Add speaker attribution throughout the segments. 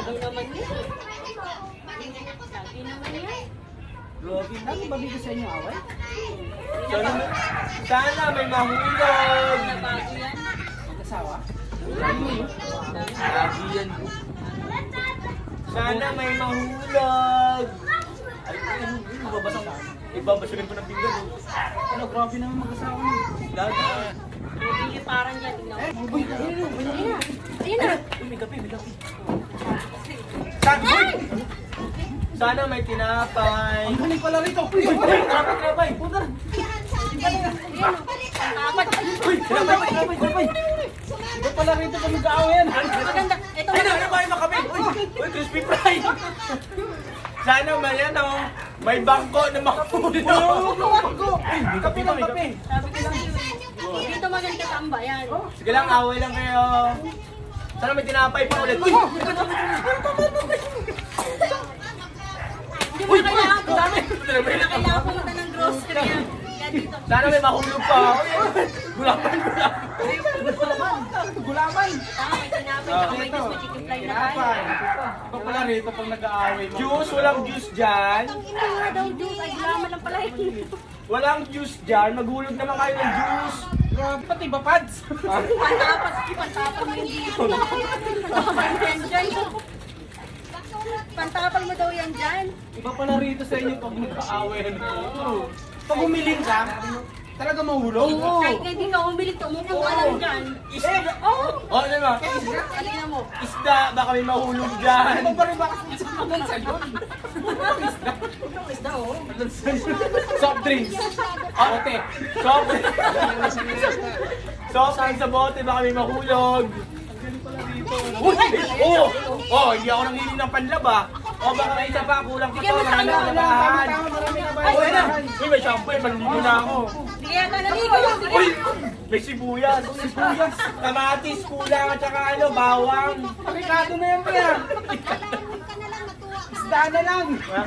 Speaker 1: Lagi naman yan. Lagi naman yan.
Speaker 2: Grabe na, mabigas sa inyo away.
Speaker 3: Sana may mahulog.
Speaker 1: Nabago yan.
Speaker 2: Mag-asawa?
Speaker 3: Lagi yan. Sana may mahulog.
Speaker 2: Mababasa ka.
Speaker 3: Ibabasurin ko ng pinggan.
Speaker 2: Ano, grabe naman mag-asawa niyo.
Speaker 3: Lagi.
Speaker 1: Hindi parang yan. Tingnan mo.
Speaker 2: Uy, ayun na.
Speaker 1: Ayun na.
Speaker 2: Uy, may kape, may kape.
Speaker 3: Sana may tinapay.
Speaker 2: Ang galing pala rito. Uy, trapay. Puta. Uy, trapay. Iba pala rito kung mag-aaway yan.
Speaker 1: Maganda. Ito
Speaker 3: Ay, ano ba yung makape? Uy, crispy fry. Sana may ano, may bangko na makapulog.
Speaker 2: Uy, may kape na, may kape.
Speaker 1: Sabi ko lang yun. Dito maganda tambayan.
Speaker 3: Sige lang, away lang kayo. Sana may tinapay pa ulit. Uy!
Speaker 1: Hindi mo na kailangan po. Hindi na kailangan pumunta ng grocery yan. Yan dito.
Speaker 3: Sana may mahulog pa. Gulaman.
Speaker 2: Gulaman.
Speaker 1: May tinapay, tsaka may juice, may chicken fry na kain.
Speaker 2: Iba pala rito pag nag-aaway mo.
Speaker 3: Juice, walang juice dyan.
Speaker 1: Ina nga daw juice. Ay, gulaman lang pala yun.
Speaker 3: Walang juice dyan. Maghulog naman kayo ng juice.
Speaker 2: Grabe, pati ba pads?
Speaker 1: Pantapal mo yung dito. Pantapal mo yan dyan. Pantapal mo daw yan dyan.
Speaker 2: Iba pala rito sa inyo pag nag-aaway ano. Pag humiling ka, talaga mahulog.
Speaker 1: Kahit na hindi ka umilig, tumupo ka lang dyan.
Speaker 3: Isda.
Speaker 1: Oo.
Speaker 3: Oh, ano ba?
Speaker 1: Alina mo.
Speaker 3: Isda. Baka may mahulog dyan.
Speaker 2: Ano pa rin ba kasi sa mga salon?
Speaker 1: Isda, oh.
Speaker 2: Soft drinks. Ote.
Speaker 3: Soft Soft drink sa bote. Baka may mahulog. Uy! Oh! Oh, hindi ako nanginig ng panlab ah. Oh, baka may isa pa. Kulang pa
Speaker 1: Bigyan mo
Speaker 3: to.
Speaker 1: tayo.
Speaker 3: Nalabahan.
Speaker 2: Marami na ba?
Speaker 3: Uy, na! Uy, may shampoo eh. Maliligo na ako.
Speaker 1: Sige yata naligo. Sige.
Speaker 3: Uy! May sibuyas. Sibuyas. Kamatis, kulang at saka ano, bawang.
Speaker 2: Pakikado na yan pa. Isda na lang.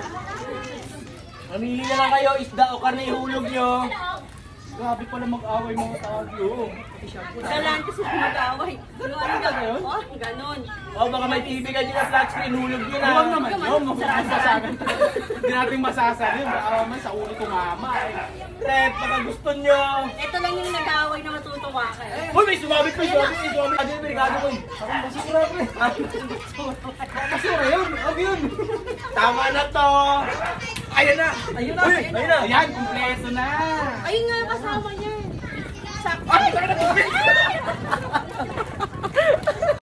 Speaker 3: Mamili na lang kayo, isda o karne ihulog nyo.
Speaker 2: Grabe pala mag-away mga tao.
Speaker 1: Dalaan kasi mag-away. Ganon. Oh, ganon.
Speaker 3: O baka may TV ka dyan na flat screen, hulog yun
Speaker 2: Huwag
Speaker 3: ah.
Speaker 2: naman yun. Masasagan. Hindi natin masasabi. Baka man sa ulo tumama eh.
Speaker 3: Rep, baka gusto nyo.
Speaker 1: Ito lang yung nag-away na matutuwa ka.
Speaker 3: Uy, may sumabit, may sumabit, may sumabit. Ano yung merikado ko eh?
Speaker 2: Parang basura ko eh. Basura yun. Huwag yun.
Speaker 3: Tama na to. Ayan na.
Speaker 2: Ayun na.
Speaker 3: Uy, ayun na.
Speaker 2: Ayan, kumpleto na.
Speaker 1: Ayun nga kasama niya. Sakto.
Speaker 3: Ay,